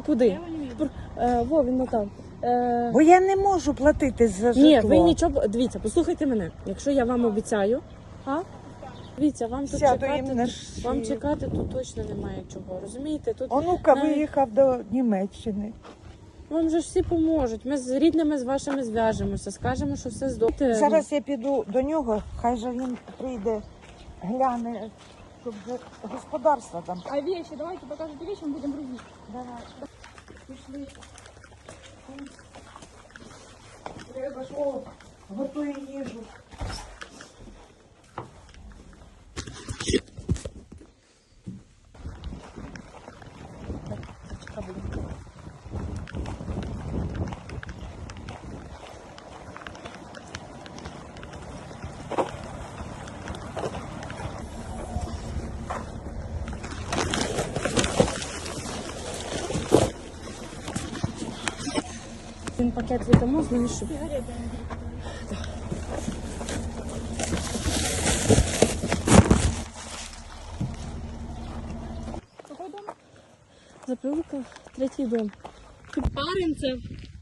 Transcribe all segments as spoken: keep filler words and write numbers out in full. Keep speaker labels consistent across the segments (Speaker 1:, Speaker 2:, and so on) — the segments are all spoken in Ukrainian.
Speaker 1: куди? Е, Во, він там. Е...
Speaker 2: Бо я не можу платити за житло.
Speaker 1: Ні, ви нічого, дивіться, послухайте мене. Якщо я вам обіцяю, а? Дивіться, вам тут
Speaker 2: Сяду
Speaker 1: чекати,
Speaker 2: їм на
Speaker 1: вам
Speaker 2: шию.
Speaker 1: чекати тут точно немає чого, розумієте? Тут
Speaker 2: Онука
Speaker 1: навіть...
Speaker 2: виїхав до Німеччини.
Speaker 1: Вам же ж всі поможуть. Ми з рідними з вашими зв'яжемося, скажемо, що все здобуде.
Speaker 2: Зараз я піду до нього, хай же він прийде, гляне, щоб вже господарство там.
Speaker 3: А вещи, давайте покажете вещи, мы будем грузить.
Speaker 2: Давай. Пішли. Треба ж, о, готує їжу.
Speaker 1: Він пакет віддамо, знаєш, щоб...
Speaker 3: Какой дом?
Speaker 1: Запилка, третій дом. Паринцев.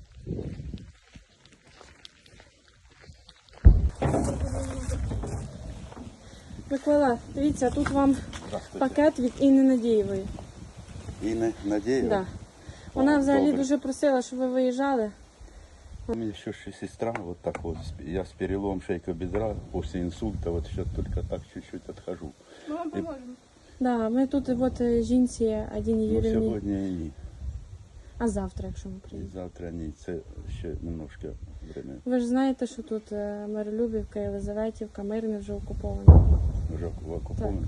Speaker 1: Микола, дивіться, тут вам пакет від Інни Надієвої.
Speaker 4: Инна Надеева?
Speaker 1: Да. Вона
Speaker 4: О,
Speaker 1: взагалі
Speaker 4: добре.
Speaker 1: дуже просила, щоб ви виїжджали.
Speaker 4: У меня еще сестра, вот так вот, с- я с переломом шейка бедра после инсульта, вот сейчас только так чуть-чуть отхожу.
Speaker 3: Мы вам поможем.
Speaker 1: Да, ми тут от е, жінці Адіні
Speaker 4: Но
Speaker 1: Юрівні,
Speaker 4: сегодня они,
Speaker 1: а завтра, якщо ми
Speaker 4: и
Speaker 1: приїдемо.
Speaker 4: завтра они, це ще немножко время,
Speaker 1: Ви ж знаєте, що тут е, Миролюбівка, Єлизаветівка, Мирне вже окуповано.
Speaker 4: вже в окуповані.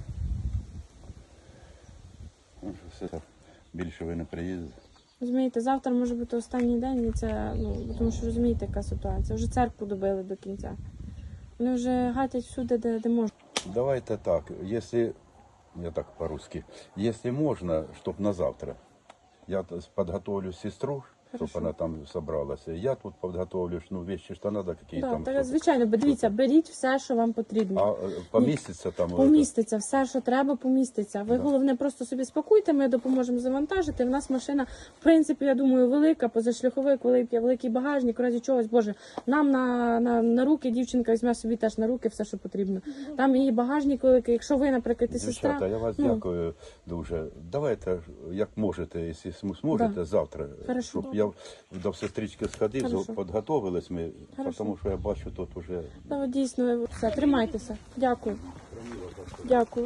Speaker 4: Ну, що все, більше ви не приїздите.
Speaker 1: Розумієте, завтра може бути останній день, і це, ну, тому що розумієте, яка ситуація. Вже церкву добили до кінця. Вони вже гатять всюди, де, де можна.
Speaker 4: Давайте так, если, я так по-русски, если можно, чтоб на завтра, я т- подготовлю сестру, чтобы
Speaker 1: Хорошо.
Speaker 4: она там собралась, я тут подготовлю, ну, вещи, что надо, какие
Speaker 1: Да,
Speaker 4: там.
Speaker 1: так,
Speaker 4: что-
Speaker 1: звичайно, бо дивіться, беріть все, що вам потрібно.
Speaker 4: А е, поміститься там?
Speaker 1: Поміститься, все, що треба, поміститься. Ви
Speaker 4: Да.
Speaker 1: головне просто собі спакуйте, ми допоможемо завантажити. В нас машина, в принципі, я думаю, велика, позашляховик, великий, великий багажник, в разі чогось, боже, нам на, на, на руки дівчинка візьме собі теж на руки все, що потрібно. Там її багажник великий, якщо ви, наприклад, і сестра.
Speaker 4: Дівчата, я вас
Speaker 1: ну,
Speaker 4: дякую дуже. Давайте, як можете, якщо см- зможете,
Speaker 1: Да.
Speaker 4: завтра,
Speaker 1: Хорошо.
Speaker 4: щоб я до сестрички сходив,
Speaker 1: Хорошо.
Speaker 4: підготовились ми,
Speaker 1: Хорошо.
Speaker 4: тому що я бачу тут уже.
Speaker 1: Та, дійсно, все, тримайтеся. Дякую. Дякую.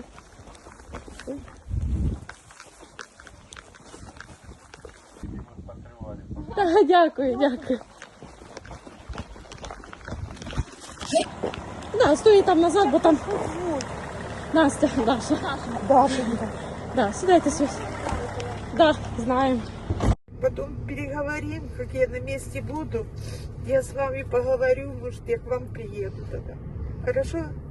Speaker 1: Та, дякую, дякую. Да, стой там назад, бо там Настя, Даша.
Speaker 2: Дашенька.
Speaker 1: Да, сідайте сюди. Да, знаємо.
Speaker 2: Потом переговорим, как я на месте буду. Я с вами поговорю, может, я к вам приеду тогда. Хорошо?